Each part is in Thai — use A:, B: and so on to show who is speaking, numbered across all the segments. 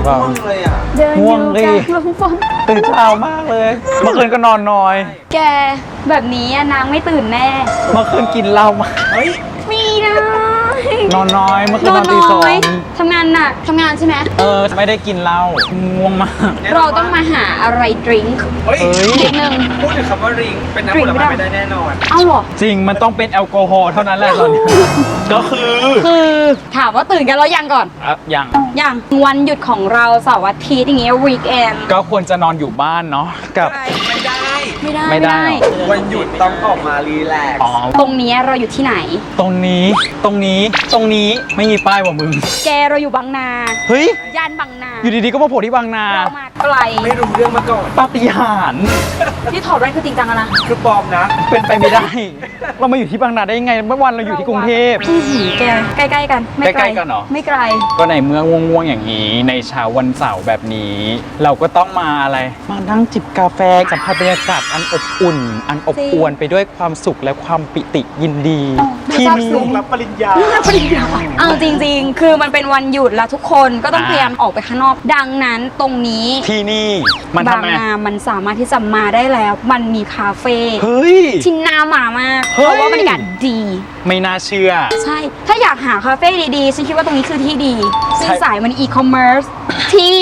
A: ปล่า
B: ง่วงเลยอ่ะ
C: เดินอ
A: ง่วง
C: ยู่
A: ดิ
C: กลางลมฝน
A: ตื่นเช้ามากเลย เมื่อคืนก็นอนน้อย
C: แกแบบนี้อะนางไม่ตื่นแน่
A: เมื่อคืนกินเหล้ามา
B: เฮ้ย
C: มีนะ
A: นอนน้อยเมื่อคื
C: น
A: น
C: อน
A: นอนตีส
C: น้
A: อ
C: อย
A: ง
C: ทำงานหนักทำงานใช่ไหม
A: ไม่ได้กินเหล้าง่วงมาก
C: เราต้องมาหาอะไรดริงก์
B: เฮ้ย
A: เฮ้ย
C: นิดนึง
B: พูดถึงคำว่าริงเป็นน้ำผลไม้ไม่ได้แน่นอน
C: เอ้าเหรอ
A: จริงมันต้องเป็นแอลกอฮอล์เท่านั้นแหละตอนนี้ ก็คือ
C: คือถามว่าตื่นกันแล้วยังก่อน
A: ยัง
C: ยังวันหยุดของเราเสาร์อาทิตย์อย่างเงี้ยวีคเอน
A: ก็ควรจะนอนอยู่บ้านเนาะกับ
B: ไม่ได้
C: ไม่ได้
A: ไม่ได้เหรอ
B: วันหยุดต้องออกมารีแลกซ์
A: อ๋อ
C: ตรงเนี้ยเราอยู่ที่ไหน
A: ตรงนี้ไม่มีป้ายว่ะมึง
C: แกเราอยู่บางนา
A: เฮ้ย
C: ย่านบางนา
A: อยู่ดีๆก็มาโผล่ที่บางนา
C: เรามาไกล
B: ไม่รู้เรื่องมาก่อน
A: ปาฏิหาริย์
C: ที่ถอดแว่นคือจริงจังอะนะ
B: คือปลอมนะ
A: เป็นไปไม่ได้ เรามาอยู่ที่บางนาได้ยังไงเมื่อวันเราอยู่ที่กรุงเทพ
C: อื้อหือแกใกล้ๆกันไม่ไกล
A: ใกล้ๆกันเหรอ
C: ไม่ไกล
A: ก็ในเมื่อง่วงๆอย่างนี้ในเช้าวันเสาร์แบบนี้ เราก็ต้องมาอะไร มานั่งจิบกาแฟสัมผัสบรรยากาศอันอบอุ่น อันอบอวลไปด้วยความสุขและความปิติยินดี ที่นี่
B: ลงรับปริญญา
C: เอาจริงๆ คือมันเป็นวันหยุดแล้วทุกคนก็ต้องพยายามออกไปข้างนอก ดังนั้นตรงนี้
A: ที่นี่มัน
C: บา
A: ทำ
C: ง
A: ไง
C: นามันสามารถที่จะมาได้แล้ว มันมีคาเฟ่
A: เฮ้ย
C: ที่น่ามามาก
A: เฮ้
C: เพ
A: ย
C: ราะว่าบรรยากาศดี
A: ไม่น่าเชื่อ
C: ใช่ ถ้าอยากหาคาเฟ่ดีๆ ฉันคิดว่าตรงนี้คือที่ดีซึ่ง
A: ใช่
C: สายมันอีคอมเมิร์ซที่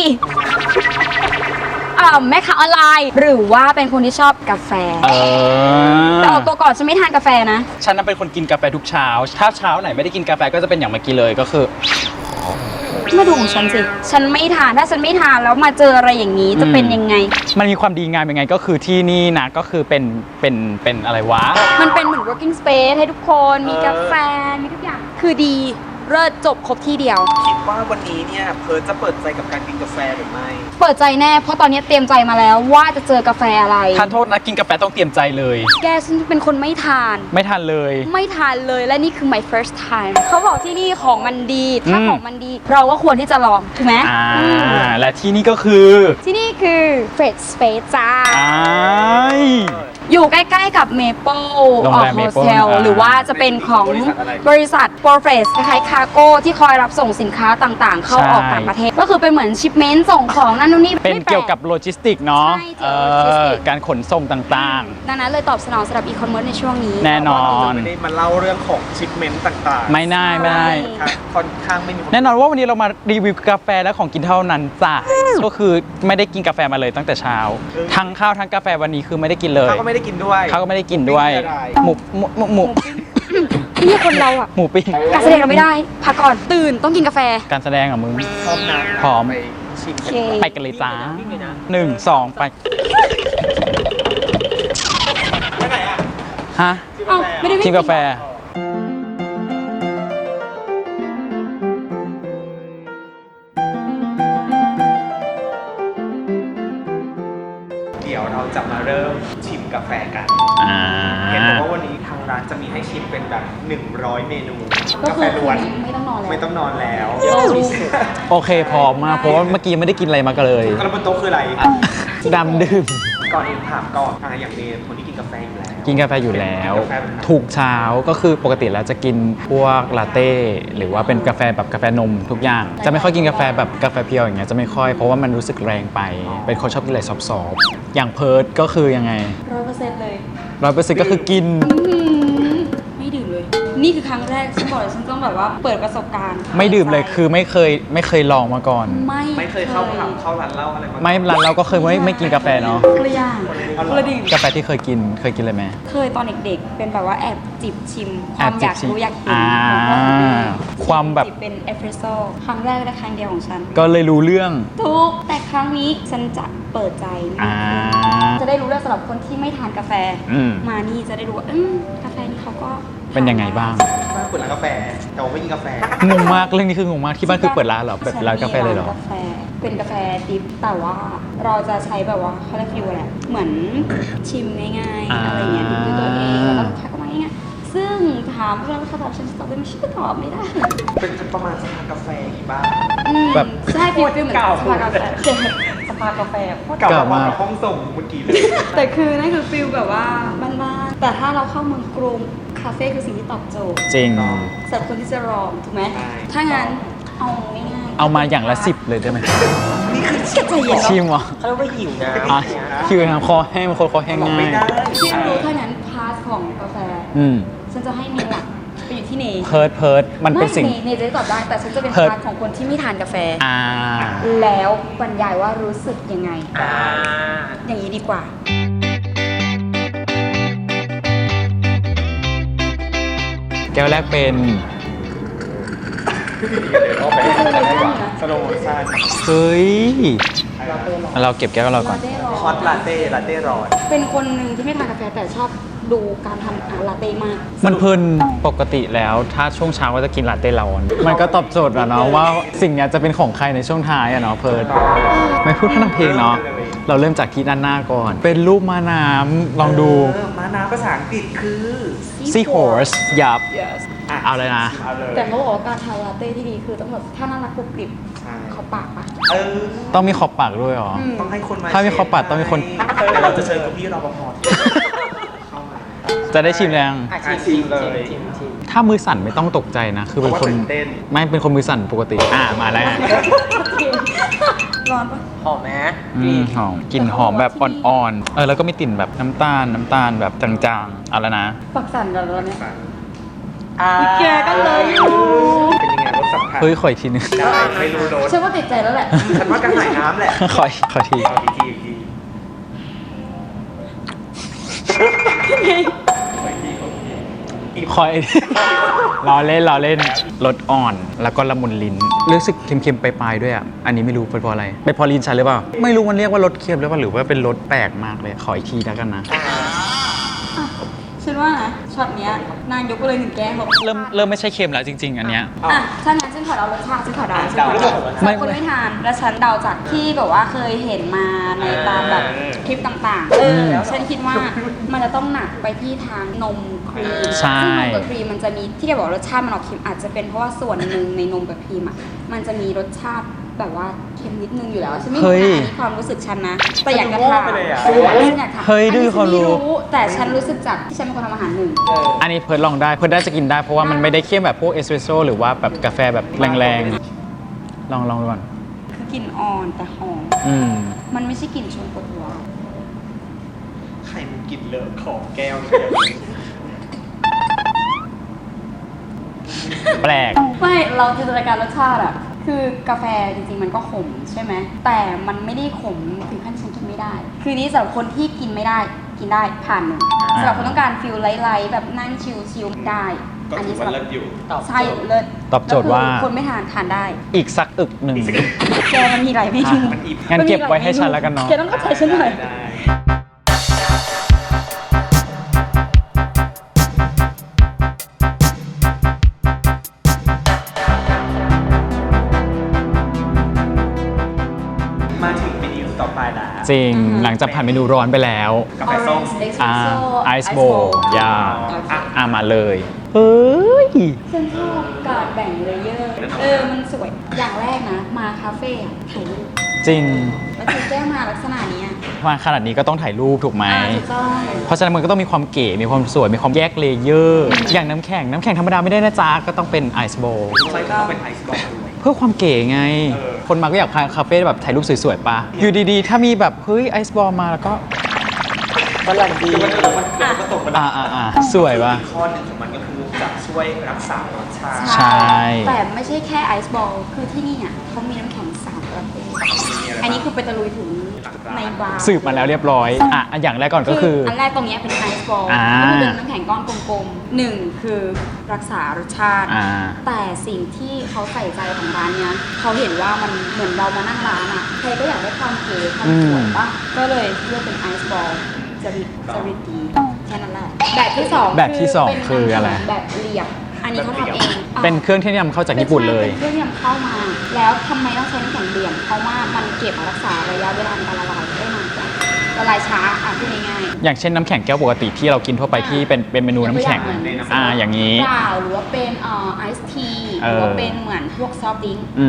C: แม่ค้าออนไลน์ หรือว่าเป็นคนที่ชอบกาแฟ แต่ออกตัวก่อนฉันไม่ทานกาแฟนะ
A: ฉันน่ะเป็นคนกินกาแฟทุกเช้า ถ้าเช้าไหนไม่ได้กินกาแฟก็จะเป็นอย่างเมื่อกี้เลยก็คือ
C: มาดูของฉันสิ ฉันไม่ทาน ถ้าฉันไม่ทานแล้วมาเจออะไรอย่างนี้จะเป็นยังไง
A: มันมีความดีงามยังไงก็คือที่นี่นะก็คือเป็นอะไรวะ
C: มันเป็นเหมือน working space ให้ทุกคน มีกาแฟ มีทุกอย่าง คือดีเลิศจบครบที่เดียว
B: คิดว่าวันนี้เนี่ยเพิร์ทจะเปิดใจกับการกินกาแฟหรือไม่
C: เปิดใจแน่ เพราะตอนนี้เตรียมใจมาแล้วว่าจะเจอกาแฟอะไร
A: ทานโทษนะกินกาแฟต้องเตรียมใจเลย
C: แกฉันเป็นคนไม่ทาน
A: ไม่ทานเลย
C: ไม่ทานเลยและนี่คือ my first time เขาบอกที่นี่ของมันดี ถ้า
A: อืม
C: ของมันดี เราก็ควรที่จะลอง ถูกไหม อืม
A: และที่นี่ก็คือ
C: ที่นี่คือ Fred Space จ้า
A: อ้าย
C: อยู่ใกล้ๆกับ Maple
A: โรงแรม
C: โฮ
A: Maple
C: เทลหรือว่าจะเป็นของบริษัท p r o f e s คล้ายๆคาร์โก้ที่คอยรับส่งสินค้าต่างๆ เข้าออกต่างประเทศ ก็คือเป็นเหมือนชิปเมนต์ส่งของนั่นนู่นนี่
A: เป็น
C: ไม่แปล
A: เกี่ยวกับโลจิสติกเนาะ
C: ใช่เกี่ยวกับโลจิสติก
A: การขนส่งต่าง
C: ดังนั้นเลยตอบสนองสำหรับอีคอมเมิร์ซในช่วงนี้
A: แน่นอน
B: ไม่ได้มาเล่าเรื่องของชิปเมนต์ต่าง
A: ๆ ไม่ได้ไม่ได้
B: ครับค่อนข้างไม่มี
A: แน่นอนว่าวันนี้เรามารีวิวกาแฟและของกินเท่านั้นจ้ะก็คือไม่ได้กินกาแฟมาเลยตั้งแต่เช้า ทั้งข้าวทั้งกาแฟวันนี้คือไม่ได้กินเลย
B: เขาก็ไม่ได้กินด้วย
A: เขาก็ไม่ได้กินด้วย
B: ไม่ได้
A: หมู
C: นี่คนเราอ่ะ
A: หมูปิ้ง
C: การแสดงเราไม่ได้พักก่อนตื่นต้องกินกาแฟ
A: การแสดงอ่ะมึง
B: พร้อมนะ
A: พร้อม
B: ไปชิม
C: โอเค
A: ไปกันเลยจ้า
B: วิ่งเลยนะ
A: 1 2 ไป
B: ไปไหนอ่ะ
A: ฮะ
C: เอ้าไม่ได้วิ่ง
A: ชิมกาแฟ
B: เดี๋ยวเราจะมาเริ่มชิมกาแฟกัน
A: อ่า
B: เห็นบอกว่าวันนี้ทางร้านจะมีให้ชิมเป็นแบบ100 เมนู
C: ก็
B: กา
C: คื
B: แฟ
C: อ
B: ล้วน
C: ไม่ต้องนอนแล้ว
B: ไม่ต้องนอนแล้ว
C: โอ้ดีสุด
A: โอเคพร้อมมากเพราะว่าเมื่อกี้ยังไม่ได้กินอะไรมากันเลย
B: แล้วบนโต๊ะคืออะไร
A: ดำดื่ม
B: ก่อนอื่นถามก่อนอย่างเมย์คนที่กินกาแฟอยู่แล้ว
A: กินกาแฟอยู่แล้ว
B: กินกาแฟแบบไหน
A: ถูกเช้าก็คือปกติแล้วจะกินพวกลาเต้หรือว่าเป็นกาแฟแบบกาแฟนมทุกอย่าง จะไม่ค่อยกินกาแฟแบบกาแฟเพียวอย่างเงี้ยจะไม่ค่อยเพราะว่ามันรู้สึกแรงไป เป็นคนชอบกินอะไรซอฟต์ๆอย่างเพิร์ดก็คือยังไง
C: 100%เลย
A: 100%ก็คือกิน
C: ไม่ดื่มเลย นี่คือครั้งแรกฉันบอกเลยฉันต้องแบบว่าเปิดประสบการณ์
A: ไม่ดื่มเลยคือไม่เคยลองมาก่อน
B: ไม่เคยเข้าผับเข้าร้านเหล้าอะไรมาก่อน
A: ไม่ร้านเราก็เคยไม่กินกาแฟเนาะ
C: กระย่างกระดิ่ง
A: กาแฟที่เคยกินเลยไหม
C: เคยตอนเด็กๆ เป็นแบบว่าแอบจิบชิม ความอยากรู้อยากกิน
A: อ่าความแบบ
C: จิบเป็นเอสเปรสโซ่ครั้งแรกและครั้งเดียวของฉัน
A: ก็เลยรู้เรื่อง
C: ทุกแต่ครั้งนี้ฉันจะเปิดใจมาก
A: อ่า
C: จะได้รู้เรื่องสำหรับคนที่ไม่ทานกาแฟ
A: อืม
C: มานี่จะได้รู้ว่ากาแฟนี่เขาก็
A: เป็นยังไงบ้าง
B: บ้านเปิดร้านกาแฟแต่ว่าไม่กินกาแฟ
A: งงมากเรื่องนี้คืองงมากที่บ้านคือเปิดร้านเหรอเปิดร้านกาแฟเลยเหรอ
C: กาแฟเป็นกาแฟดิฟแต่ว่าเราจะใช้แบบว่าเขาเรียกฟิวอะไรเหมือนชิมง่ายๆอะไรเงี้ยดูด้วยตัวเองแล้วก็ลูกค้าก็มาง่ายๆซึ่งถามเพื่อนลูกค้าตอบฉันตอบได้ไหมฉันก็ตอบไม่ได้
B: เป็นประมาณสภากาแฟกี่บ้าง
A: แบบ
C: ใช่ฟิลเหมือน
B: เก่า
C: สภากาแฟสภากาแฟโคตร
A: เก่ามาก
B: ห้องส่งเมื่อกี้เลย
C: แต่คือนั่นคือฟิลแบบว่าบ้านๆแต่ถ้าเราเข้าเมืองกรุงคาเฟ่คือสิ่งที่ตอบโจทย์
A: จริง
C: สำหรับคนที่จะรองถูกไหม
B: ใช่
C: ถ้างั้นเอาง่ายๆ
A: เอามาอย่างละ10เลยได้ไหม
B: นี่คือ
C: ใจเย็น
A: ชิมเหรอ
B: เขาเรียกว่าหิวนะ
A: อ่ะคิวนะคอแห้งบางคนคอแห้ง
B: บอก
A: ง่า
B: ไม่
A: ย
B: ได้
C: ที่รู้เท่านั้นพาร์ทของกาแฟ
A: อืม
C: ฉันจะให้เมย์หลักไปอยู่ที่เน
A: เพิร์ดมันเป็นสิ่ง
C: ไม่เนจะได้ตอบได้ แต่ฉันจะเป็น
A: เพิร์ท
C: พาร์ทของคนที่ไม่ทานกาแฟ
A: อ่า
C: แล้วบรรยายว่ารู้สึกยังไง
B: อ่า
C: อย่างนี้ดีกว่า
A: แก้วแรกเป็น
B: สโลว์โมชั่น
A: เฮ้ย เราเก็บแก้วเราก่อน
B: ฮอตลาเต้ลาเต้ร้อน
C: เป็นคนหนึ่งที่ไม่ทานกาแฟแต่ชอบดูการทำลาเต้มาก
A: มันเพลินปกติแล้วถ้าช่วงเช้าก็จะกินลาเต้ร้อน มันก็ตอบโจทย์อะเนาะว่าสิ่งเนี้ยจะเป็นของใครในช่วงท้ายอะเนาะเพิร์ดไม่พูดพร่ำเพลงเนาะ เราเริ่มจากที่ด้านหน้าก่อน เป็นรูปม้าน้ำลองดู
B: ม้าน้ำภาษาอังกฤษคือ
A: seahorse ยับ
C: yes
A: เอาเลยนะ
B: เอาเลย
C: แต่เขาบอกว่าการทานลาเต้ที่ดีคือต้องแบบถ้าน่ารักกรุบกริบ
B: ใช่
C: เขาปากปะ
B: เออ
A: ต้องมีขอบปากด้วยเหรอ
B: ต้องให้คนมา
A: ถ้ามีขอบปัดต้องมีคน
B: เดี๋ยวเราจะเชิญคุณพี่รปภเข้ามา
A: จะได้ชิมยัง
B: ชิมเลย
A: ถ้ามือสั่นไม่ต้องตกใจนะ คือเป็นคน
B: เพราะว่าตื่นเต้น
A: ไม่เป็นคนมือสั่นปกติ มาแล้ว
C: ร้อนปะ
B: หอมไหม
A: หอมกลิ่นหอมแบบอ่อนๆ แล้วก็มีกลิ่นแบบน้ำตาลแบบจางๆ เอาแล้วนะ
C: ปากสั่นกันแล้วเนี่ย
B: อ่า
C: แกก็เลยอยู่
B: เป็นยังไงรสสัมผัส
A: เฮ้ยขออีกทีนึง
B: ได้ไม่รู้รส
C: ฉันว่าติดใจแล้วแหละ
B: ฉันว่ากระหายน้ำแหละ
A: ขอที
B: เอาอีกทีอีกที
A: ขออีกที ล้อเล่นรสอ่อนแล้วก็ละมุนลิ้นรู้สึกเค็มๆปลายๆด้วยอ่ะ อันนี้ไม่รู้เป็นเพราะอะไรเป็นเพอลิ้นฉันหรือเปล่า ไม่รู้มันเรียกว่ารสเค็มหรือเปล่าหรือว่าเป็นรสแปลกมากเลย ขออีกทีแล้วกันนะ
C: ฉันว่านะช็อตเนี้ยนางยกไปเลยหนึ่งแก้วบอก
A: เริ่มไม่ใช่เค็มแล้วจริง ๆ อันเนี้ย
C: อ่ะถ้างั้นฉันขอเดารสชาติฉันขอเดาฉันขอเดา
A: ไม่
C: คนไม่ทานแล้วฉันเดาจากที่แบบว่าเคยเห็นมาในตามแบบคลิปต่างๆฉันคิดว่ามันจะต้องหนักไปที่ทางนมครีม
A: ใช่
C: ซึ่งนมกับครีมมันจะมีที่แกบอกรสชาติมันออกเค็มอาจจะเป็นเพราะว่าส่วนหนึ่งในนมกับครีมอ่ะมันจะมีรสชาติแบบว่าเค็มนิดนึงอยู่แล้วฉันไม่รู้นะอันนี้ความรู้สึกฉันนะ แต่อยากจะถามฉันอยากถาม
A: เฮ้ยดูความรู้
C: อันนี้ฉันไม่แต่ฉันรู้สึกจากที่ฉันเป็นคนทำอาหารหนึ่ง
A: อันนี้เพิร์ดลองได้เพิร์ดได้จะกินได้เพราะว่ามันไม่ได้เข้มแบบพวกเอสเปรสโซ่หรือว่าแบบกาแฟแบบแรงๆ ลองดูก่อน
C: คือกลิ่นอ่อนแต่หอม
A: อืม
C: มันไม่ใช่กลิ่นชนปวดหัว
B: ไข่มันกลิ่นเลอะของแก้ว
A: แปลก
C: ไม่เราจินตนาการรสชาติอะคือกาแฟจริงๆมันก็ขมใช่ไหมแต่มันไม่ได้ขมถึงขั้นฉันกินไม่ได้ คือนี้สำหรับคนที่กินไม่ได้กินได้ผ่านหนึ่งสำหรับคนต้องการฟิลไลท์ๆแบบนั่งชิลๆได้ อันนี้สำหรับใช่เลิศ
A: ตอบโจทย์ว่า
C: แล้วคือคนไม่ทานได้
A: อีกสักอึกหนึ่ง
C: แกมันมีหลายเมนู
A: อ่ะงั้นเก็บไว้ให้ฉันแล้วกันเนาะ
C: แกต้องเข้าใจฉันหน่อย
B: มาถึงเมนูต่อไปแล้ว
A: จริง หลังจากผ่านเมนูร้อนไปแล้ว
B: กาแฟส้ม
A: ไอซ์โบยา
C: อ่ะ
A: มาเลย เฮ้ย
C: ฉันชอบการแบ่งเลเยอร์ มันสวย อย่างแรกนะ มาคาเฟ่อะถ่ายรูป
A: จริง
C: แล้วถือแก้วมาลักษณะนี้อะ
A: มาขนาดนี้ก็ต้องถ่ายรูปถูกไหม
C: ถูกต้อง
A: เพราะฉะนั้นมันก็ต้องมีความเก๋ มีความสวย มีความแยกเลเยอร์ อย่างน้ำแข็งธรรมดาไม่ได้นะจ๊ะ ก็ต้องเป็นไอซ์โบ
B: ใช่ก็เป็นไอซ์บอลด้วย
A: เพื่อความเก๋ไง คนมาก็อยากพาคาเฟ่แบบถ่ายรูปสวยๆปะอยู่ดีๆ ถ้ามีแบบ เฮ้ยไอซ์บอลมาแล้วก็
B: ฝรั่งดีมันก็ตกมา
A: สวยปะ
B: ข้อหนึ่งของมันก็คือจะช่วยรักษารสชาติ
A: ใช่
C: แต่ไม่ใช่แค่ไอซ์บอล คือที่นี่อ่ะเขามีน้ำแข็ง3ประเภทอันนี้คือไปตะลุยถึงในบาร์
A: สืบมาแล้วเรียบร้อย อย่างแรกก่อนก็คือ
C: อันแรกตรงเนี้ยเป็นไอซ์บอล
A: อ่า
C: ก็คือเป็นน้ำแข็งก้อนกลมๆหนึ่งคือรักษารสชาติ
A: อ่า
C: แต่สิ่งที่เขาใส่ใจของร้านเนี้ยเขาเห็นว่ามันเหมือนเรามานั่งร้านอ่ะใครก็อยากได้ความเก๋ความสวยปะก็เลยเลือกเป็นไอซ์บอลจะริตดีแค่นั้นแหละแบบที่สอง
A: แบบที่สองคืออะไร
C: แบบเรียบอันนี้เขาทำเอง
A: เป็นเครื่องที่นำเข้าจากญี่ปุ่นเลย
C: เป็นเครื่องที่นำเข้ามา แล้วทำไมต้องใช้น้ำแข็งเหลี่ยมเพราะว่ามันเก็บรักษาระยะเวลาในการละลายได้นานกว่าละลายช้าพูดง่ายๆ
A: อย่างเช่นน้ำแข็งแก้วปกติที่เรากินทั่วไปที่เป็นเมนูน้ำแข็ง อย่างนี้
C: เปล่าหรือว่าเป็นไอซ์ทีหรือว่าเป็นเหมือนพวกซอฟต์ดริงก์
A: อืม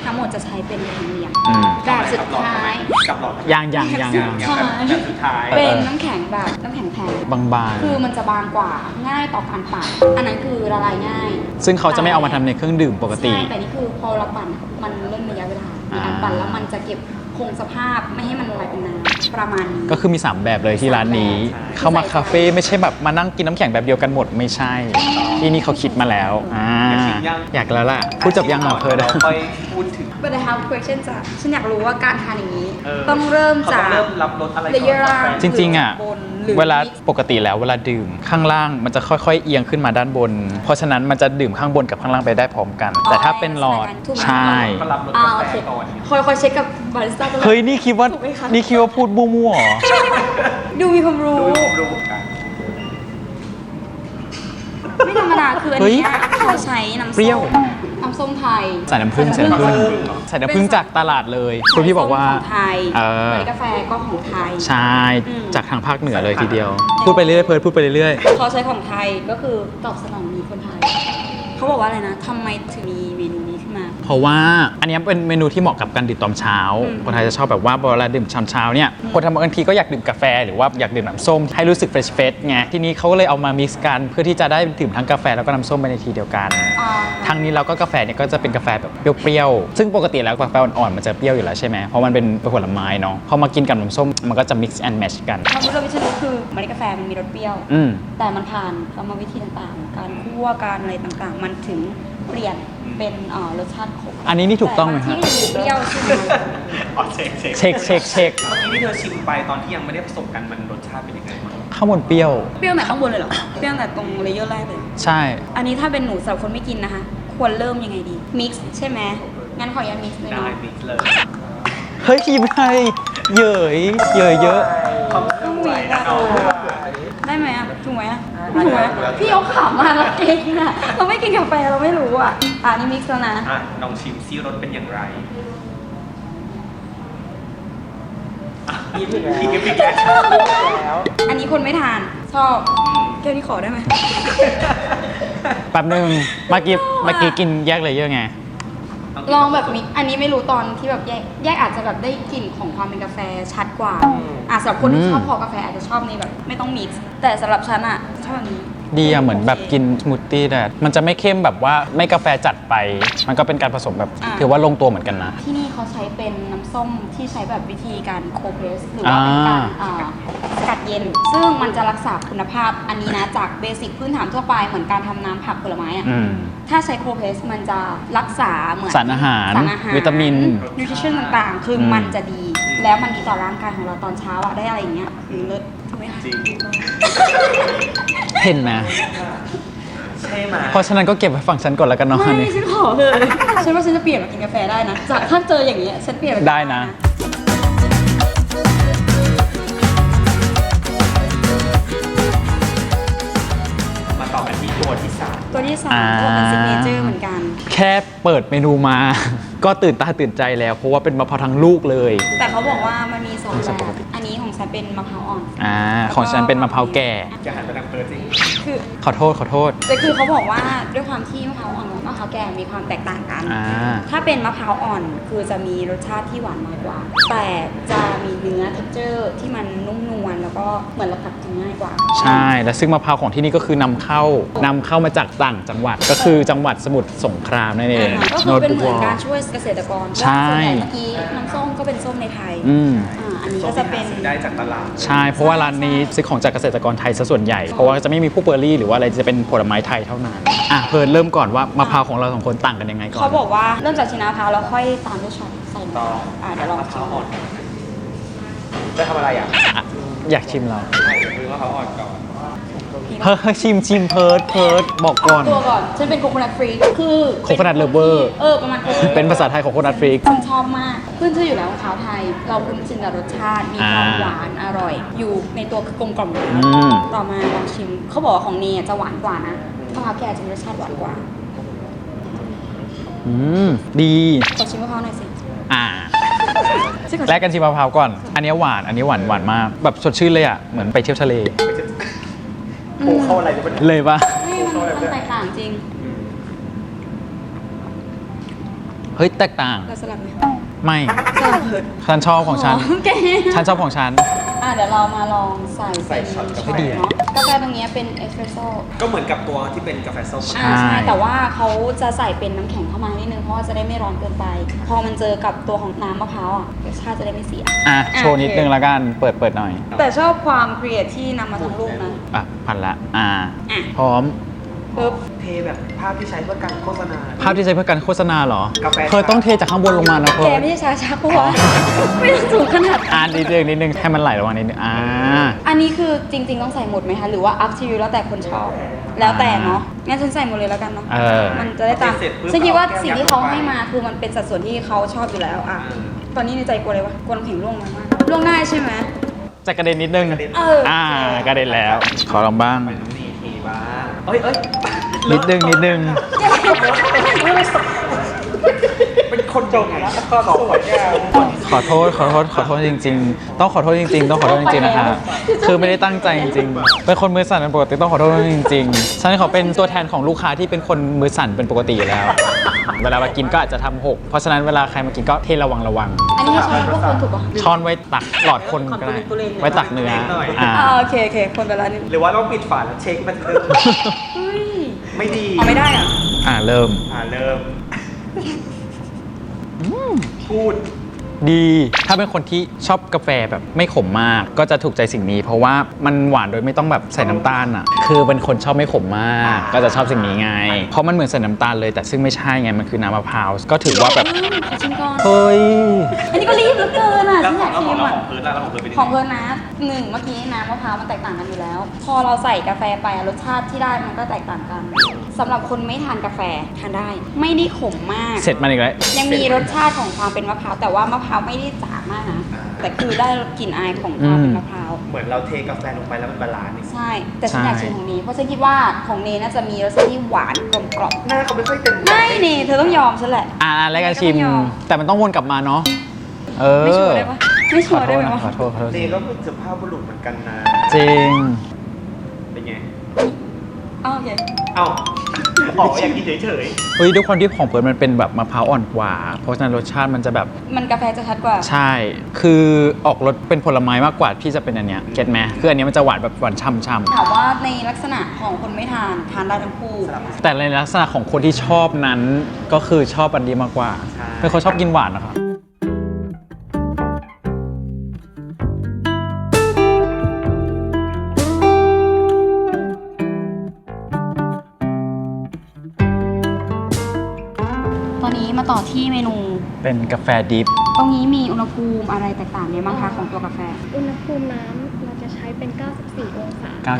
C: ทั้งหมดจะใช้เป็นธรรมเนียม
A: อืม
C: แบบสุดท้าย
B: กับหลอด
A: ยัง
B: แบบสุดท้าย
C: เป็นน้ำแข็งแบบน้ำแข็งแผ่น
A: บาง
C: คือมันจะบางกว่าง่ายต่อการปั่นอันนั้นคือละลายง่าย
A: ๆซึ่งเขาจะไม่เอามาทำในเครื่องดื่มปกติ
C: ใช่แต่นี่คือพอเราปั่นมันเล่นระยะเวลาในการปั่นแล้วมันจะเก็บคงสภาพไม่ให้มันละลายเป็นน้ำประมาณนี้
A: ก็คือมี 3 แบบเลยที่ร้านนี้ เข้ามาคาเฟ่ไม่ใช่แบบมานั่งกินน้ำแข็งแบบเดียวกันหมดไม่ใช่ ที่นี่เขาคิดมาแล้วอยากแล้วล่ะพูดจบยังอ่ะเพิร์ด
B: เราค่อยพูดถึง
C: But I have question จ้ะฉันอยากรู้ว่าการทานอย่างนี้ ต้องเริ่ม
B: เขา
C: จา
B: ต้อก งเริ่มรับรสอะไรก่อน
C: เลเยอร์ล่าง
A: จริงๆอ่ะ
C: บนหรือ
A: เวลาปกติแล้วเวลาดื่มข้างล่างมันจะค่อยๆเอียงขึ้นมาด้านบน เพราะฉะนั้นมันจะดื่มข้างบนกับข้างล่างไปได้พร้อมกัน แต่ถ้าเป็นหลอด
C: ถูกไหม
A: ใช่
B: ก็รับรส
C: อ่าก
B: า
C: โอ
B: แฟ
C: เค
B: ก่อน
C: คอยเช็คกับบาริสต้าตลอด
A: เฮ้ยนี่คิดว่า
C: ถูกไหมคะ
A: นี่คิดว่าพูดมั่วๆเหรอ
C: ดูมีความรู้
B: รู้กัน
C: ไม่ธรรมดาคืออัน
A: เฮ้ย
C: เนี้ยเขาใช้น้ำ
A: เปรี้ยว
C: น้ำส้มไทย
A: ใส่น้ำผึ้งใส่น้ำผึ้งใส่น้ำผึ้งจากตลาดเลยคุณพี่บอกว่า
C: ของไทย
A: เออ
C: เมล็ดกาแฟก็ของไทย
A: ใช่
C: อืม
A: จากทางภาคเหนือเลยทีเดียว พูดไปเรื่อยๆเพิร์ดพูดไปเรื่อย
C: เขาใช้ของไทยก็คือตอบสนองมีคนไทย เขาบอกว่าอะไรนะทำไมถึงมีเมนูนี้ขึ้นมา
A: ๆเพราะว่าอันเนี้ยเป็นเมนูที่เหมาะกับการดื่มตอนเช้า
C: อืม
A: คนไทยจะชอบแบบว่าเวลาดื่มเช้าๆเนี่ยคนทำบางทีก็อยากดื่มกาแฟหรือว่าอยากดื่มน้ำส้มให้รู้สึกเฟรชๆไงทีนี้เขาก็เลยเอามามิกซ์กันเพื่อที่จะได้ดื่มทั้งกาแฟแล้วก็น้ำส้มไปในทีเดียวกัน
C: อ่า
A: ทางนี้เราก็กาแฟเนี่ยก็จะเป็นกาแฟแบบเปรี้ยวๆ ซึ่งปกติแล้วกาแฟอ่อนๆ มันจะเปรี้ยวอยู่แล้วใช่ไหม เพราะมันเป็นผลไม้เนาะ พอมากินกับน้ำส้มมันก็จะ mix and match กัน
C: ความรู้วิชารู้คือเมล็ดกาแฟมันมีรสเปรี้ยว
A: อืม
C: แต่มันผ่านกรรมวิธีต่างๆ การคั่วการอะไรต่างๆ มันถึงเปลี่ยนเป็นรสชาติขม
A: อันนี้นี่ถูกต้องไหม
C: แต่
A: ฮะ
C: บางที่อยู่เปรี้ยวใช่ไหม
B: อ๋อเช็ค
A: เช็ค
B: เมื่อกี้ที่เธอชิมไปตอนที่ยังไม่ได้ผสมกันมันรสชาติเป็นยังไงบ้าง
A: ข้างบนเปรี้ยว
C: เปรี้ยวแต่ข้างบนเลยเหรอ เปรี้ยวแต่ตรงเลเยอร์แรกเลย
A: ใช่
C: อันนี้ถ้าเป็นหนูสำหรับคนไม่กินนะคะ ควรเริ่มยังไงดี มิกซ์ใช่ไหมงั้นขออนุญาตมิกซ์เลย
B: ได้
C: เนาะ
B: มิกซ์เลย
A: เฮ้ยพี่ไม่เหยยเยอะ
B: ความเครื่องไหวนะน้อง
C: ได้ไหมอ่ะถูกไหมอ่ะถูกไหมพี่เอาขำมาแล้วเองอ่ะเราไม่กินกาแฟเราไม่รู้อ่ะนี่มิกซ์แล้วนะ
B: อ่ะลองชิมซิรสเป็นอย่างไรพี่กิฟต์แล้ว
C: อันนี้คนไม่ทานชอบแก้วนี้ขอได้ไหม
A: ๆแป๊บนึงเมื่อกี้กินแยกเลยเยอะไง
C: ลองแบบมิกซ์อันนี้ไม่รู้ตอนที่แบบแยกอาจจะแบบได้กลิ่นของความเป็นกาแฟชัดกว่าสำหรับคนที่ชอบพอกาแฟอาจจะชอบในแบบไม่ต้องมิกซ์แต่สำหรับฉันอ่ะชอบแบบนี้
A: ดีอะเหมือนแบบกินสมูทตี้แต่มันจะไม่เข้มแบบว่าไม่กาแฟจัดไป มันก็เป็นการผสมแบบถือว่าลงตัวเหมือนกันนะ
C: ที่นี่เขาใช้เป็นน้ำส้มที่ใช้แบบวิธีการโคเพรสหรือว่าเป็นการสกัดเย็น ซึ่งมันจะรักษาคุณภาพอันนี้นะจากเบสิกพื้นฐานทั่วไปเหมือนการทำน้ำผักผลไม้อะ
A: อืม
C: ถ้าใช้โคเพรสมันจะรักษาเหมือน
A: สารอาหารวิตามิน
C: นิวทริชั่นต่างๆ คือมันจะดี แล้วมันดีต่อร่างกายของเราตอนเช้าอะได้อะไรอย่างเงี้ยเลิศถูกไหมคะ
B: จริง
A: เห็นไหม
B: ใช่ไหม
A: เพราะฉะนั้นก็เก็บไว้ฝั่งฉันก่อนแล้วกันเนาะอัน
C: ไม่
A: นี้
C: ฉันขอเลยฉันว่าฉันจะเปลี่ยนมากินกาแฟได้นะจากถ้าเจออย่างเงี้ยฉันเปลี่ยนมากิ
A: ได้นะ
B: มาต่อกันที่ตัวที่สาม
C: ตัวที่สามก็เป็นซิกเนเจอร์เหมือนกัน
A: แค่เปิดเมนูมา ก็ตื่นตาตื่นใจแล้ว เพราะว่าเป็นมะพร้าวทั้งลูกเลย
C: แต่เขาบอกว่ามันมีสอง
A: ไม่ใช่
C: แบ
A: ปก
C: บ
A: ติ
C: อันนี้ของฉันเป็นมะพร้าวอ่อน
A: ของฉันเป็นมะพร้าวแก่
B: จะหันไปทางเฟิร์สสิ
C: คือ
A: ขอโทษ
C: แต่คือเขาบอกว่าด้วยความที่มะพร้าวอ่อนกับมะพร้าวแก่มีความแตกต่างกัน ถ้าเป็นมะพร้าวอ่อนคือจะมีรสชาติที่หวานน้อยกว่า แต่จะมีเนื้อ texture ที่มันนุ่มนวลแล้วก็เหมือนเรากัดกินง่ายกว่า
A: ใช่ และซึ่งมะพร้าวของที่นี่ก็คือนำเข้ามาจากต่างจังหวัด ก็คือจังหวัดสมุทรสงครามนั่นเอง
C: ก็คือเป็นเหมือนการช่วยเกษตรกร
A: ใช่
C: ส่วนใหญ่เมื่อกี้น้ำส้มก็เป็นส้มในไทย
A: อืม
C: อันนี้
B: ส้
C: ก็
B: ม
C: จะ
B: ที่
C: เป็
B: หาน ซื้อได้จากตลาด
A: ใช่ เพราะว่าร้านนี้ซื้อของจากเกษตรกรไทยซะส่วนใหญ่ เพราะว่าจะไม่มีพวกเบอร์รี่หรือว่าอะไรจะเป็นผลไม้ไทยเท่านั้นเพิร์นเริ่มก่อนว่ามะพร้าวของเราสองคนต่างกันยังไงก่อน
C: เขาบอกว่าเริ่มจากชิ้นมะพร้าวแล้วค่อยตามด้วยช็อตใส่ลง
B: ต่อ
C: ไปเดี๋ยวลอง
B: มะพ
C: ชิ
B: ร้าว
C: ม
B: อ่อนจะทำอะไรอ่ะ
A: อ่ะอยากชิมเรา
B: ใช่คือมะพร้าวอ่อนก่อน
A: เฮ้ยชิมเพิร์ดบอกก่อน
C: ตัวก่อนฉันเป็นโคโคนัทฟรีคือ
A: Coconut lover
C: ประมาณ
A: เป็นภาษาไทยของโคนัทฟรีก
C: ฉันชอบมากขึ้นชื่ออยู่แล้วมะพร้าวไทย เราคุ้นชินกับรสชาติมีความหวานอร่อย อยู่ในตัวคือกลมกล่อมอยู่แล้ว
A: ม
C: ต่อมาลองชิมเขาบอกว่าของเนยจะหวานกว่านะมะพร้าวแก่จะมีรสชาติหวานกว่า
A: ดี
C: ขอชิมมะพร้าวหน่อยสิ ซึ่ง
A: แรกกันชิมมะพร้าวก่อน อันนี้หวาน อันนี้หวานมาก แบบสดชื่นเลยอ่ะ เหมือนไปเที่ยวทะเล
B: โอ้เข้าอะไรจะเป็น
A: เลยปะ
C: ไม่มันแตกต่างจริง
A: เฮ้ยแตกต่าง
C: เราสลับไหม
A: ไม่
C: สลับเถิด
A: ฉันชอบของฉัน
C: โอเค
A: ฉันชอบของฉัน
C: เดี๋ยวเรามาลองใส่
B: ใส่ช็อตกาแฟ
C: เนาะกาแฟตรงนี้เป็นเอสเปรสโซ่
B: ก็เหมือนกับตัวที่เป็นกาแฟส้ม
A: ใช่
C: ใช่แต่ว่าเขาจะใส่เป็นน้ำแข็งเข้ามานิดนึงเพราะว่าจะได้ไม่ร้อนเกินไป พอมันเจอกับตัวของน้ำมะพร้าวอ่ะรสชาติจะได้ไม่เสีย
A: โชว์นิดนึงละกัน เปิดหน่อย
C: แต่ชอบความครีเอทที่นำมาทั้งลูกนะ
A: พันละ
C: อ่ะ
A: พร้อม
C: ปึ๊บ
B: เทแบบภาพที่ใช้เพื่อการโฆษณา
A: ภาพที่ใช้เพื่อการโฆษณาเหรอ
B: กาแฟ
A: เธอต้องเทจากข้างบนลงมานะเธ
C: แก
A: อ
C: ไม่ใช่ชาชักปะวะไม่ต้องสูงขนาด
A: นิดนึงให้มันไหลระหว่างนิดนึง
C: อันนี้คือจริง ๆ ต้องใส่หมดไหมคะ หรือว่า up to you แล้วแต่คนชอบ แล้วแต่เนาะ งั้นฉันใส่หมดเลยแล้วกันเนาะ มันจะได้ตามฉันคิดว่าสิ่งที่เขาให้มาคือมันเป็นสัดส่วนที่เขาชอบอยู่แล้วอ่ะ ตอนนี้ในใจกลัวเลยวะกลัวน้ำแข็งร่วงมากๆร่วงได้ใช่ไหม
A: จะกระเด็นนิดนึง กระเด็นแล้ว ขอลองบ้าง
B: นี่ทีบ้างเอ้ย
A: นิดนึง
B: เป็นคนจงไงข้อสวยแก้ว
A: ขอโทษจริงๆ ต้องขอโทษจริงๆ ต้องขอโทษจริงๆ นะคะคือไม่ได้ตั้งใจจริงๆ เป็นคนมือสั่นเป็นปกติต้องขอโทษจริงๆ ฉันขอเป็นตัวแทนของลูกค้าที่เป็นคนมือสั่นเป็นปกติอยู่แล้ว เวลามากินก็อาจจะทำหก เพราะฉะนั้นเวลาใครมากินก็เทระวัง
C: อันนี้ให้ช้อนพวกคนถูกปะ
A: ช้อนไว้ตักหลอดคนก็ได้ ไว้ตักเนื้อ
C: โอเคคนไปแล้วนี่
B: หรือว่าต้องปิดฝาแล้วเช็คมันเริ่ม
C: เฮ้ย
B: ไม่ดี
C: ไม่ได้อ่ะ
A: เริ่ม
B: เริ่มพูด
A: ดี ถ้าเป็นคนที่ชอบกาแฟแบบไม่ขมมาก ก็จะถูกใจสิ่งนี้ เพราะว่ามันหวานโดยไม่ต้องแบบใส่น้ำตาลอ่ะ คือเป็นคนชอบไม่ขมมาก ก็จะชอบสิ่งนี้ไง เพราะมันเหมือนใส่น้ำตาลเลย แต่ซึ่งไม่ใช่ไง มันคือน้ำมะพร้าว ก็ถือว่าแบบ
C: ขอชิมก่อน
A: เฮ้ย
C: อันนี้ก็รีบเหลือเกินอ่ะ
B: แล้ว
C: ฉัน
B: ข
C: อ
B: อง
C: ยาก
B: เรา
C: ชิม
B: ของ
C: อ่ะ
B: เราของเพิร์ดแล้วของเพิร์ดเป็นยัง
C: ของ
B: ไง
C: เพิร์นนะเมื่อกี้น้ำมะพร้าวมันแตกต่างกันอยู่แล้ว พอเราใส่กาแฟไปรสชาติที่ได้มันก็แตกต่างกันสำหรับคนไม่ทานกาแฟทานได้ ไม่ได้ขมมาก
A: เสร็จมันอีกแล้ว
C: ยังมีรสชาติของความเป็นมะพร้าวแต่ว่ามะพร้าวไม่ได้จ๋ามากนะแต่คือได้กลิ่นอายของความเป็นมะพร้าว
B: เหมือนเราเทกาแฟลงไปแล้วมันบาลานซ์นี่
C: ใช่ แต่ฉันอยากชิมของนี้เพราะฉันคิดว่าของเนน่าจะมีรสชาติที่หวานกลมกล่อม
B: หน้าเขาไม่ค่อยเต็ม
C: ไม่เนเธอต้องยอมฉันแหละ
A: แล้วกันชิม แต่มันต้องวนกลับมาเนาะ
C: ไม่ชัวร์ได้ปะไม่ชัวร์ได้ไหมวะ
A: ขอโทษ
B: เนก็เป็นสุภาพบุรุษเหมือนกันนะ
A: จริง
B: เป็นไง
C: อ้าวโอเค
B: เอ้าอ๋ออยากกินเฉย
A: เฮ้ยด้วยความที่ของเพิร์นมันเป็นแบบมะพร้าวอ่อนกว่า เพราะฉะนั้นรสชาติมันจะแบบ
C: มันกาแฟจะชัดกว่า
A: ใช่ คือออกรสเป็นผลไม้มากกว่าที่จะเป็นอันเนี้ยเก็ตไหมคืออันเนี้ยมันจะหวานแบบหวานช่ำ
C: ถามว่าในลักษณะของคนไม่ทานได้ทั้งคู่
A: ๆแต่ในลักษณะของคนที่ชอบนั้นก็คือชอบอันนี้มากกว่าเป็นคนชอบกินหวานนะครับ
C: ตอนนี้มาต่อที่เมนู
A: เป็นกาแฟดิฟ
C: ตรงนี้มีอุณหภูมิอะไรแตกต่างไหมบ้างคะของตัวกาแฟ
D: อุณหภูมิน้ำเราจะใช้เป็น 94 องศา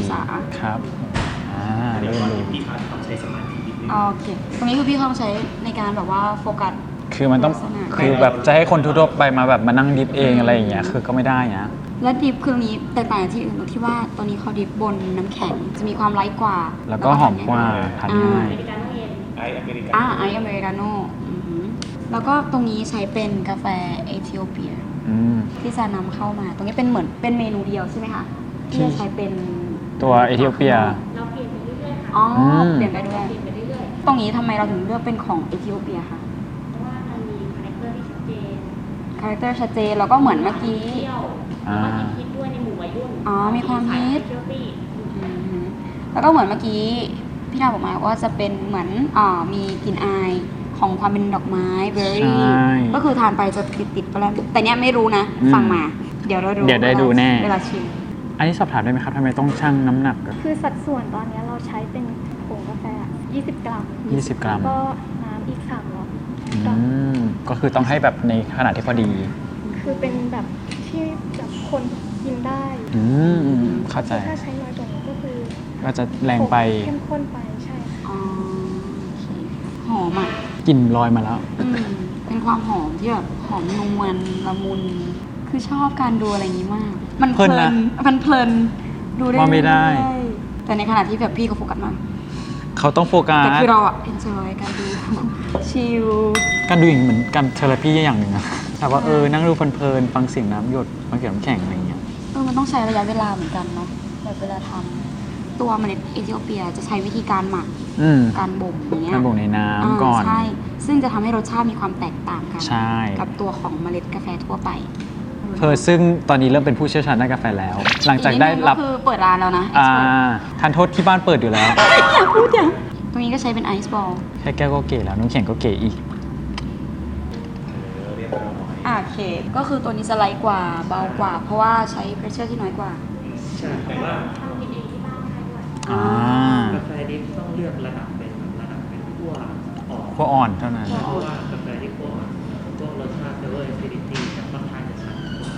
A: 94 ครับเริ่มรู้
B: ๆพี่เขาต้องใช้สมาธินิดนึง
C: โอเค ตรงนี้คือพี่เขาใช้ในการแบบว่าโฟกัส
A: คือมันต้อง
C: ลักษณะ
A: คือแบบจะให้คนทั่วๆไปมาแบบมานั่งดิฟเองอะไรอย่างเงี้ยคือก็ไม่ได้นะ
C: และดิฟคือตรงนี้แตกต่างจากที่อื่นตรงที่ว่าตอนนี้เขาดิฟบนน้ำแข็งจะมีความไลท์กว่า
A: แล้วก็หอมกว่าทานง่าย
B: ไออเมริกัน
C: ไออเมริกาโน่แล้วก็ตรงนี้ใช้เป็นกาแฟเอธิโอเปีย ที่จะนำเข้ามา ตรงนี้เป็นเหมือนเป็นเมนูเดียวใช่ไหมคะที่จะใช้เป็น
A: ตัวเอธิโอเปีย
D: เราเปลี่ยนไปเรื่อยๆค่ะ
C: อ๋อ
A: ม
C: เปลี่ยนไปด้วย
D: เปลี่ยนไปเรื่อย
C: ตรงนี้ทำไมเราถึงเลือกเป็นของเอธิโอเปียคะ
D: ๆ เพราะว่ามันมีคาแรคเตอร์ที่ชัดเจน
C: คาแรคเตอร์ชัดเจนแล้วก็เหมือนเมื่อกี้
D: เที่ยวแล้วก็ฮิตด้วยในหมู่วัยรุ่น
C: อ๋อมีความฮิต
D: เที่ยวตี้
C: อืมแล้วก็เหมือนเมื่อกี้พี่ดาวบอกมาว่าจะเป็นเหมือนมีกลิ่นอายของความเป็นดอกไม้เบอร์รี่
A: ใช่
C: ก็คือทานไปจะติดๆไปแล้วแต่เนี้ยไม่รู้นะ ฟังมา เดี๋ยวเราดู
A: เดี๋ยวได้ดูแน่
C: เวลาชิม
A: อันนี้สอบถามได้ไหมครับทำไมต้องชั่งน้ำหนักอะ
D: คือสัดส่วนตอนนี้เราใช้เป็นผงกาแฟ 20 กรัม
A: 20 กรัม
D: แล้วก็น้ำอีก300 กรัม
A: ก็คือต้องให้แบบในขนาดที่พอดี
D: คือเป็นแบบที่แบบคนกินได้
A: เข้าใจ
D: ถ้าใช้น้อยกว่านี้ก็คือ
A: ก็จะแรงไป
D: เข้มข้นไปใช่ค่ะ
C: อ๋อโอเคหอมอ่ะ
A: กลิ่นลอยมาแล้ว
C: เป็นความหอมที่แบบหอมนวลละมุน คือชอบการดูอะไรอย่างนี้มาก มันเพ
A: เพลิ
C: ลิ
A: นนะ
C: นมันเพลินดูได้
A: ว่าไม่ได้
C: เรื่อยๆแต่ในขณะที่แบบพี่เขาโฟกัสมาก
A: เขาต้องโฟกั
C: แต่
A: ส
C: คือเราอะ enjoy การดู ชิล
A: การดูอย่างเหมือนการเทอราพีอย่างหนึ่งอะแต่ว่านั่งดูเพลินๆฟังเสียงน้ำหยดฟังเสียงน้ำแข็งอะไรอย่างเงี้ย
C: มันต้องใช้ระยะเวลาเหมือนกันเนาะแบบเวลาทำตัวเมล็ดเอธิโอเปียจะใช้วิธีการหมัก
A: อืม
C: การบ่มอย่างเงี้ย
A: การบ่มในน้ำก่อน
C: ใช่ ซึ่งจะทำให้รสชาติมีความแตกต่างกัน
A: ใช่
C: กับตัวของเมล็ดกาแฟทั่วไป
A: ซึ่งตอนนี้เริ่มเป็นผู้เชี่ยวชาญด้านกาแฟแล้ว หลังจากได้รับ
C: อีกนิดนึงก็คือเปิดร้านแล้วนะ
A: ทานโทษที่บ้านเปิดอยู่แล้ว
C: ตรงนี้ก็ใช้เป็นไอซ์บอล
A: แค่แก้วก็เก๋แล้วน้ำแข็งก็เก๋อีก
C: โอเค ก็คือตัวนี้จะไลท์กว่าเบากว่า เพราะว่าใช้เพรสเชอร์ที่น้อยกว่า
B: ใช่แต่ว่า
A: อ่า
B: กาแฟดิบต้องเลือกระดับเป็นขั้วอ่อน
A: พวกอ่อนเท่านั้น
B: เพราะว่ากาแฟที่ขั้วอ่อนพวกรสชาติเฟเวอร์แอซิดิตี้จะค่อนข้างจะชัดกว่า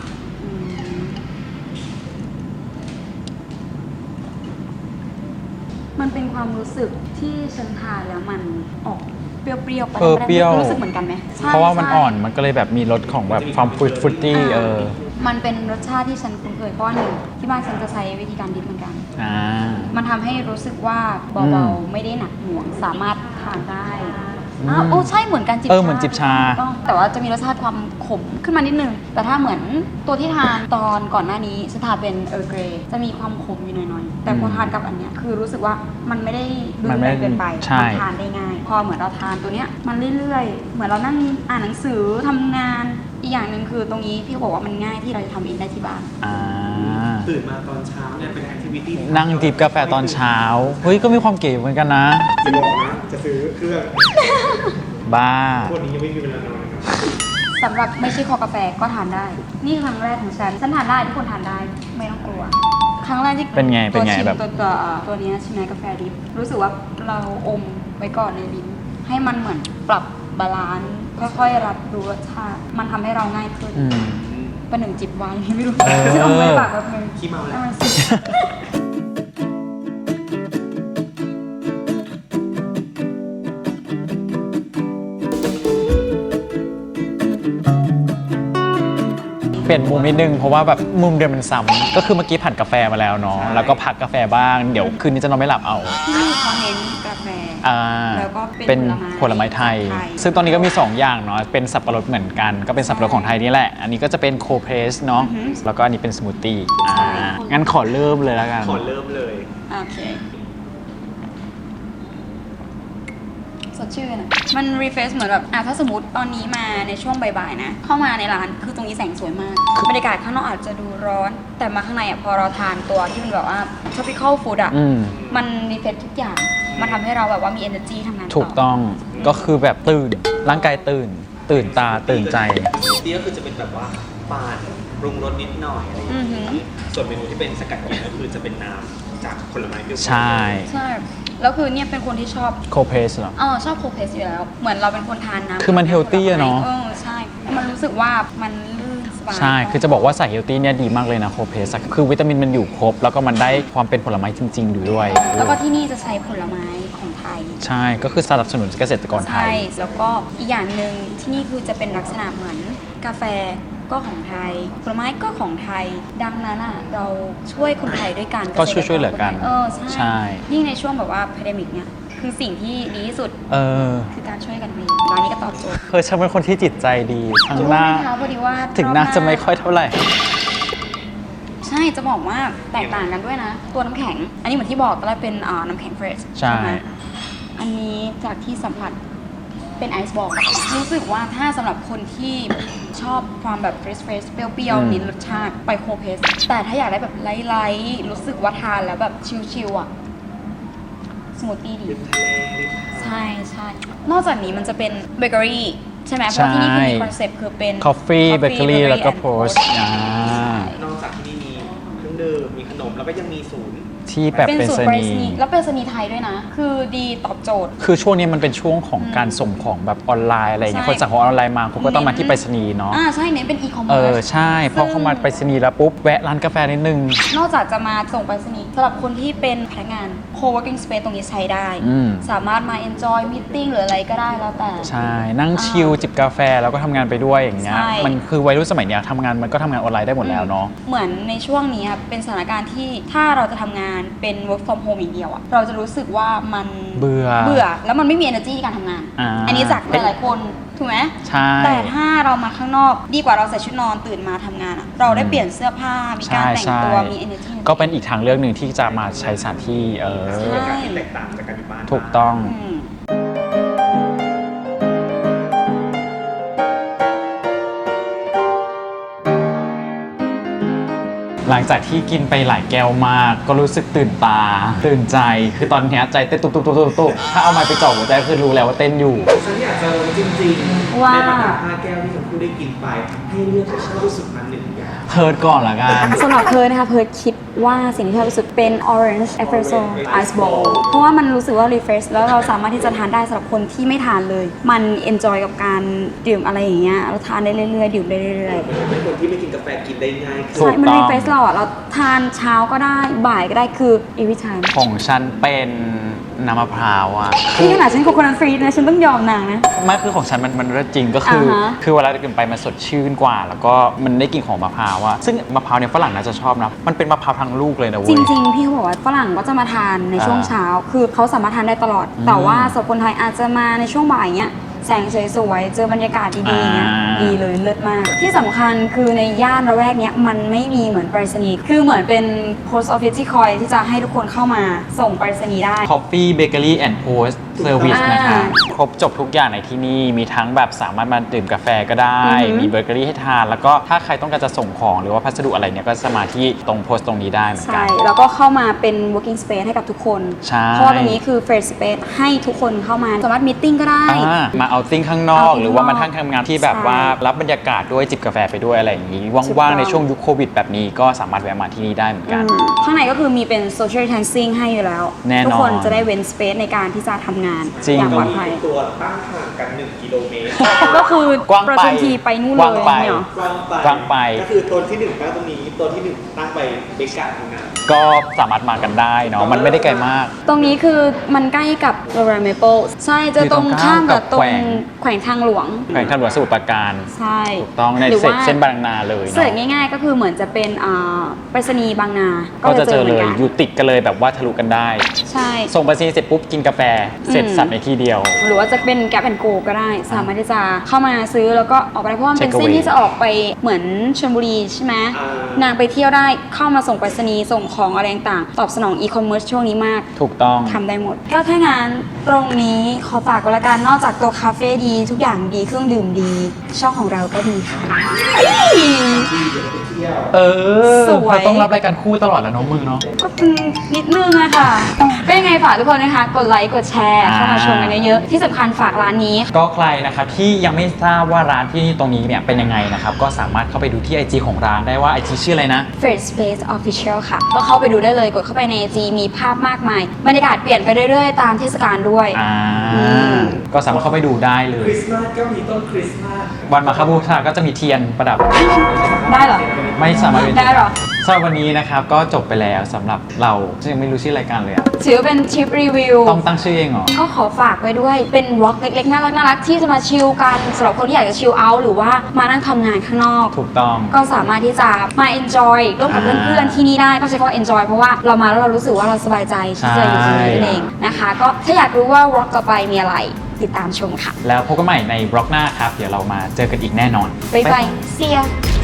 C: มันเป็นความรู้สึกที่ฉันทานแล้วมันออกเปรี้ยวๆไป
A: เปรี้ยว
C: รู้สึกเหมือนกันไหมใช่
A: เพราะว่ามัน
C: ใช่
A: อ่อนมันก็เลยแบบมีรสของแบบความฟรุตตี้
C: มันเป็นรสชาติที่ฉันคุ้นเคยเพราะว่าหนึ่งที่บ้านฉันจะใช้วิธีการดิบเหมือนกัน
A: อ่า
C: มันทำให้รู้สึกว่าเบาๆไม่ได้หนักหน่วงสามารถทานได้
A: อืม
C: โอ้ใช่เหมือนกันจิบ
A: เหมือนจิบชา
C: ถูกต้องแต่ว่าจะมีรสชาติความขมขึ้นมานิดนึง แต่ถ้าเหมือนตัวที่ทานตอนก่อนหน้านี้ฉันทานเป็นเออร์เกรจะมีความขมอยู่หน่อยๆแต่พอทานกับอันเนี้ยคือรู้สึกว่ามันไม่ได้รุ
A: มัน
C: น
A: ไม่
C: แรงเกินไป
A: ใช่
C: มันทานได้ง่าย พอเหมือนเราทานตัวเนี้ยมันเรื่อยๆ เหมือนเรานั่งอ่านหนังสือทำงานอีกอย่างหนึ่งคือตรงนี้พี่เขาบอกว่ามันง่ายที่เราจะทำเองได้ที่บ้าน
A: อ่า
B: ตื่นมาตอนเช้าเนี่ยเป็นแอคทิวิตี้
A: นั่งจิบกาแฟตอนเช้า เฮ้ย ก็มีความเก๋เหมือนกันนะ
B: จะบอกนะจะซื้อเครื่อง
A: บ้า
B: พวกนี้ยังไม่มีเวลานอนนะครับ
C: สำหรับไม่ใช่คอกาแฟก็ทานได้ นี่ครั้งแรกของฉันทานได้ทุกคนทานได้ไม่ต้องกลัว ครั้งแรกที่
A: เป็นไง
C: ตัวชิม
A: แบบ
C: ตัวนี้ใช่ไหมกาแฟดิบรู้สึกว่าเราอมไว้ก่อนในลิ้นให้มันเหมือนปรับบาลานซ์ค่อยๆรับรู้รสชาติมันทำให้เราง่ายขึ้น
A: อืม
C: เป็นหนึ่งจิบไวน์ไม่รู้
A: เออ
C: ทำไมปากแบบนึง
B: ขี้เมาแล้ว
C: ให้นสิ
A: เปลี่ยนมุมนิดนึงเพราะว่าแบบมุมเดิมมันซ้ำก็คือเมื่อกี้ผัดกาแฟมาแล้วเนาะ
B: ใช่
A: แล้วก็พักกาแฟบ้าง เดี๋ยวคืนนี้จะนอนไม่หลับเอา
C: ที่นี่เขาเน้นกาแฟ
A: อ่า
C: แล้วก็เป็
A: เป็น
C: น
A: ผลไม้ไทย
C: ไทย
A: ซึ่งตอนนี้ก็มี 2 อย่างเนาะ เป็นสับปะรดเหมือนกัน ก็เป็นสับปะรดของไทยนี่แหละ อันนี้ก็จะเป็นโคเพรสเนาะ แล้วก็อันนี้เป็นสมูทตี้
C: ใช่
A: งั้นขอเริ่มเลยแล้วกัน
B: ขอเริ่มเลย
C: โอเคสดชื่นอะมันรีเฟรชเหมือนแบบถ้าสมมติตอนนี้มาในช่วงบ่ายๆนะ เข้ามาในร้านคือตรงนี้แสงสวยมาก บรรยากาศข้างนอกอาจจะดูร้อน แต่มาข้างในพอเราทานตัวที่มันแบบว่า tropical food
A: อืม
C: มันรีเฟรชทุกอย่าง มันทำให้เราแบบว่ามี energy ทำงานต่อ
A: ถูกต้อง ก็คือแบบตื่น ร่างกายตื่นตาตื่นใจ
B: สมูทตี้ก็คือจะเป็นแบบว่าปาดปรุงรสนิดหน่อยอะไรอย่าง
C: อือหื
B: นี้
C: อ
B: ส่วนเมนูที่เป็นสกัดเย็นก็คือจะเป็นน้ำจากผลไม้เปรี้ยวๆ
A: ใช่
C: ใช่ แล้วคือเนี่ยเป็นคนที่ชอบ
A: โคเพรสเหรอ
C: ชอบโคเพสอยู่แล้ว เหมือนเราเป็นคนทานน้ำ
A: คือมัน healthy อะเนาะ
C: ใช่ มันรู้สึกว่ามันลื่นสบาย
A: ใช่ คือจะบอกว่าสายเฮลตี้เนี่ยดีมากเลยนะโคเพสคือวิตามินมันอยู่ครบ แล้วก็มันได้ความเป็นผลไม้จริง ๆ อยู่ด้วย
C: แล้วก็ที่นี่จะใช้ผลไม้ของไทย
A: ใช่ ก็คือสนับสนุนเกษตรกรไท
C: ใช่
A: ย
C: แล้วก็อีกอย่างหนึ่งที่นี่คือจะเป็นลักษณะเหมือนกาแฟก็ของไทย ผลไม้ก็ของไทย ดังนั้นเราช่วยคนไทยด้วยกัน
A: ก็ช่วยเหลือกัน
C: ใช่
A: ใช่
C: ยิ่งในช่วงแบบว่าพ n d e m i c เนี่ยคือสิ่งที่ดีที่สุด คือการช่วยกันเองร้านนี้ก็ตอบโจทย์
A: ฉันเป็นคนที่จิตใจดีทั้งหน้า
C: รู้ไหมคะพอดีว่า
A: ถึงหน้าร
C: อบ
A: จะไม่ค่อยเท่าไหร่
C: ใช่จะบอกว่าแตกต่างกันด้วยนะ ตัวน้ำแข็ง อันนี้เหมือนที่บอกตอนแรกเป็นน้ำแข็งเฟรช
A: ใช่
C: ไหมอันนี้จากที่สัมผัสเป็นไอซ์บอลรู้สึกว่าถ้าสำหรับคนที่ชอบความแบบเฟรชเปรี้ยวๆนิดรสชาติไปโคเพสแต่ถ้าอยากได้แบบไลท์ๆรู้สึกว่าทานแล้วแบบชิลๆอะสมูทตี้ดี
B: ริมทะเลริมหาด
C: ใช่ใช่นอกจากนี้มันจะเป็นเบเกอรี่ใช่ไหมเพราะที่นี่คือมีคอนเซ็ปต์คือเป็น
A: Coffee Bakery แล้วก็
C: and
A: Post
B: นอกจากที่นี่มีเครื่องดื่มมีขนมแล้วก็ยังมีศูนย์
A: ที่แบบ
C: เป็น
A: เป็น
C: สูต
A: ส
C: รไปร
A: นี
C: ษณีย์แล้วเป็นสนีย์ไทยด้วยนะ คือดีตอบโจทย์
A: คือช่วงนี้มันเป็นช่วงของการส่งของแบบออนไลน์อะไรอย่างเงี้ย
C: ใช่
A: คนสั่งของออนไลน์มาเขาก็ต้องมาที่ไปรษณีย์เนาะ
C: ใช่เน้นเป็นอีคอมเมิ
A: เอ
C: ร์
A: อ
C: ซ
A: ใช่เพราะเข้ามาไปรษณีย์แล้วปุ๊บแวะร้านกาแฟนิดนึง
C: นอกจากจะมาส่งไปรษณีย์สำหรับคนที่เป็นพนักงาน co-working space ตรงนี้ใช้ได้
A: อืม
C: สามารถมา enjoy meeting หรืออะไรก็ได้แล้วแต่
A: ใช่ นั่งชิลจิบกาแฟแล้วก็ทำงานไปด้วยอย่างเงี้ย
C: ใช่
A: มันคือวัยรุ่นสมัยเนี้ยทำงานมันก็ทำงานออนไลน์ได้หมดแล้วเนาะ
C: เหมือนในช่วงนี้เป็นสถานการณ์ที่ถ้าเราจะทำงานานเป็น work from home อย่างเดียวอะเราจะรู้สึกว่ามัน
A: เบื่อ
C: แล้วมันไม่มี energy ในการทำงาน อันนี้จากหลายๆคนถูกไหม
A: ใช่
C: แต่ถ้าเรามาข้างนอกดีกว่าเราใส่ชุดนอนตื่นมาทำงานอะเราได้เปลี่ยนเสื้อผ้ามีการแต่งตัวมี energy
A: ก็เป็นอีกทางเลือกหนึ่งที่จะมาใช้สถานที่
C: ใช่
E: เป็นการที่แตกต่างจากการอยู่บ้าน
A: ถูกต้อง
C: อืม
A: หลังจากที่กินไปหลายแก้วมาก ก็รู้สึกตื่นตา ตื่นใจ คือตอนเนี้ยใจเต้นตุบๆๆๆถ้าเอาไม้ไปจ่อหัวใจคือรู้แล้วว่าเต้นอยู่
E: ฉันอยากจะรู้จริงๆ
C: ว่า
E: ในบรรดา5แก้วที่ชมพู่ได้กินไป ให้เลือกชอบที่สุดมา1อย่าง
A: เพิร์ดก่อนละกัน
C: สำหรับเพิร์ดนะคะเพิร์ดคิดว่าสิ่งที่ชอบที่สุดเป็น orange espresso ice bowl เพราะว่ามันรู้สึกว่า refresh แล้วเราสามารถที่จะทานได้สำหรับคนที่ไม่ทานเลย มัน enjoy กับการดื่มอะไรอย่างเงี้ยเราทานได้เรื่อยๆดื่มได้เรื่อยๆ
E: เป็นคนที่ไม่กินกาแฟกินได้ง่าย
A: ถูก
C: ใช่มัน
A: ต้อง
C: refresh เราอ่ะเราทานเช้าก็ได้บ่ายก็ได้คือ every time
A: ของฉันเป็นน้ำมะพร้าวอ่ะ
C: นี่ขนาดฉันโคโคนัทฟรีนะฉันต้องยอมนางนะ
A: ไม่คือของฉันมันเลิศจริงก็คือ
C: อ่าฮะ
A: คือเวลากินไปมันสดชื่นกว่า แล้วก็มันได้กลิ่นของมะพร้าวอะซึ่งมะพร้าวเนี่ยฝรั่งน่าจะชอบนะมันเป็นมะพร้าวทั้งลูกเลยนะเว้
C: จ
A: ย
C: ริงๆ พี่เขาบอกว่าฝรั่งก็จะมาทานในช่วงเช้า คือเขาสามารถทานได้ตลอด
A: อืม
C: แต่ว่าสำหรับคนไทยอาจจะมาในช่วงบ่ายเนี้ยแสงสวยๆ เจอบรรยากาศดีๆเนี้ย
A: อ่า
C: ดีเลยเลิศมาก ที่สำคัญคือในย่านระแวกเนี้ยมันไม่มีเหมือนไปรษณีย์คือเหมือนเป็น post office ที่คอยที่จะให้ทุกคนเข้ามาส่งไปรษณีย์ได้
A: Coffee Bakery and Post Service
C: อ่าน
A: นะคะครบจบทุกอย่างในที่นี่มีทั้งแบบสามารถมาดื่มกาแฟก็ได้
C: อือหือ
A: มีเบเกอรี่ให้ทาน แล้วก็ถ้าใครต้องการจะส่งของหรือว่าพัสดุอะไรเนี่ยก็สามารถที่ตรงโพสต์ตรงนี้ได้เหมือนกั
C: ใช่
A: น
C: แล้วก็เข้ามาเป็น working space ให้กับทุกคน
A: ใช่
C: เพราะว่าตรงนี้คือ first space ให้ทุกคนเข้ามาสามารถ meeting ก็ได้
A: มาเอาติ้งข้างนอก
C: outing
A: หรือว่ามา
C: ข้างนอก
A: ทำงานที่แบบ
C: ใช่
A: ว่ารับบรรยากาศด้วยจิบกาแฟไปด้วยอะไรอย่างนี้
C: ถูกต้
A: ว่า
C: อง ง
A: ๆในช่วงยุคโควิดแบบนี้ก็สามารถแวะมาที่นี่ได้เหมือนกัน
C: ข้างในก็คือมีเป็น social distancing ให้อยู่แล้ว
A: แน่นอน
C: ทุกคนจะได้เว้น space ในการที่จะทำงาน
A: จริง
C: อย่างปลอด
E: มี
C: ภัย
E: ตัวตั้งห่างกัน1กิโลเมตร
C: ก็คือก
A: ว้างไป
C: ประชุมทีไปนู่น
A: ก
C: เล
A: ว้าง
C: ย
A: ไป
C: เนี่ยเหรอ
E: กว้างไป ก็คือตัวที่1ตั้งตรงนี้ ตัวที่1ตั้งไปเบกาตรงนั้น
A: ก็สามารถมากันได้เนาะมันไม่ได้ไกลมาก
C: ตรงนี้คือมันใกล้กับโรงแรมเมเปิลใช่จะตรงข้ามกับตรงแขวงทางหลวง
A: แขวงทางหลวงสมุทรปราการ
C: ใช่
A: ถูกต้องใน
C: หรือว่า
A: เส้นบางนาเลย
C: เสิร์ช
A: เนาะ
C: ง่ายๆ ก็คือเหมือนจะเป็นไปรษณีย์บางนา
A: ก็จะเจอ
C: ห
A: เล
C: มืน
A: ย
C: กัน
A: อยู่ติดกันเลยแบบว่าทะลุกันได้
C: ใช่
A: ส่งไปรษณีย์เสร็จปุ๊บกินกาแฟเสร็จสับในที่เดียว
C: หรือว่าจะเป็นแก p แอนโกก็ได้ สามารถที่จะเข้ามาซื้อแล้วก็ออกไปได้เพราะว่ามันเป็น
A: Take
C: เส้น
A: away
C: ที่จะออกไปเหมือนชลบุรีใช่ไหม
E: อ่า
C: นางไปเที่ยวได้เข้ามาส่งไปรษณีย์ส่งของอะไรต่างๆตอบสนองอีคอมเมิร์ซช่วงนี้มาก
A: ถูกต้อง
C: ทำได้หมด ก็ถ้างั้นตรงนี้ขอฝากกันละกันนอกจากตัวคาเฟ่ดีทุกอย่างดีเครื่องดื่มดี ช่องของเราก็ดีค่ะ
A: เออ
C: สวย
A: เราต้องรับรายการคู่ตลอดแล้วเน้องมึงเนาะ
C: ก็เป็นนิดนึงอะค่ะก็ยังไงฝากทุกคนนะคะ กดไลค์กดแชร์เข้ามาชมกันเยอะๆที่สำคัญฝากร้านนี้
A: ก็ใครนะครับที่ยังไม่ทราบว่าร้านที่ตรงนี้เนี่ยเป็นยังไงนะครับก็สามารถเข้าไปดูที่ IG ของร้านได้ว่า IG ชื่ออะไรนะ
C: First Space Official ค่ะ ก็เข้าไปดูได้เลยกดเข้าไปใน IG มีภาพมากมาย บรรยากาศเปลี่ยนไปเรื่อยๆ ตามเทศกาลด้วย ม
A: ก็สามารถเข้าไปดูได้เล
E: ค
A: ย
E: ริสต์มาสก็มีต้นคริสต์มาส
A: วันมาฆบูชาก็จะมีเทียนประดับ
C: ได้เหรอ
A: ไม่สามารถเป็น
C: ได้เหรอ
A: สำหรับวันนี้นะครับก็จบไปแล้วสำหรับเราซึ่งยังไม่รู้ชื่อรายการเลยอะ
C: ถือว่าเป็นทริปรีวิว
A: ต้องตั้งชื่อเองเหรอ
C: ก็ขอฝากไว้ด้วยเป็นวอล์กเล็กๆ น่ารักๆ ที่จะมาชิลกันสำหรับคนที่อยากจะชิลเอาท์หรือว่ามานั่งทำงานข้างนอก
A: ถูกต้อง
C: ก็สามารถที่จะมา enjoy ร่วมกับเพื่อนๆ ที่นี่ได้ต้องใช้คำว่า enjoy เพราะว่าเรามาแล้วเรารู้สึกว่าเราสบายใจที่จะอยู่ตรงนี้นั่นเองนะคะ ก็ถ้าอยากรู้ว่าวอล์กต่อไปมีอะไรติดตามชมค่ะ
A: แล้วพบกันใหม่ในบล็อกหน้าครับ เดี๋ยวเรามาเจอกันอีกแน่นอน
C: บ๊ายบาย see ya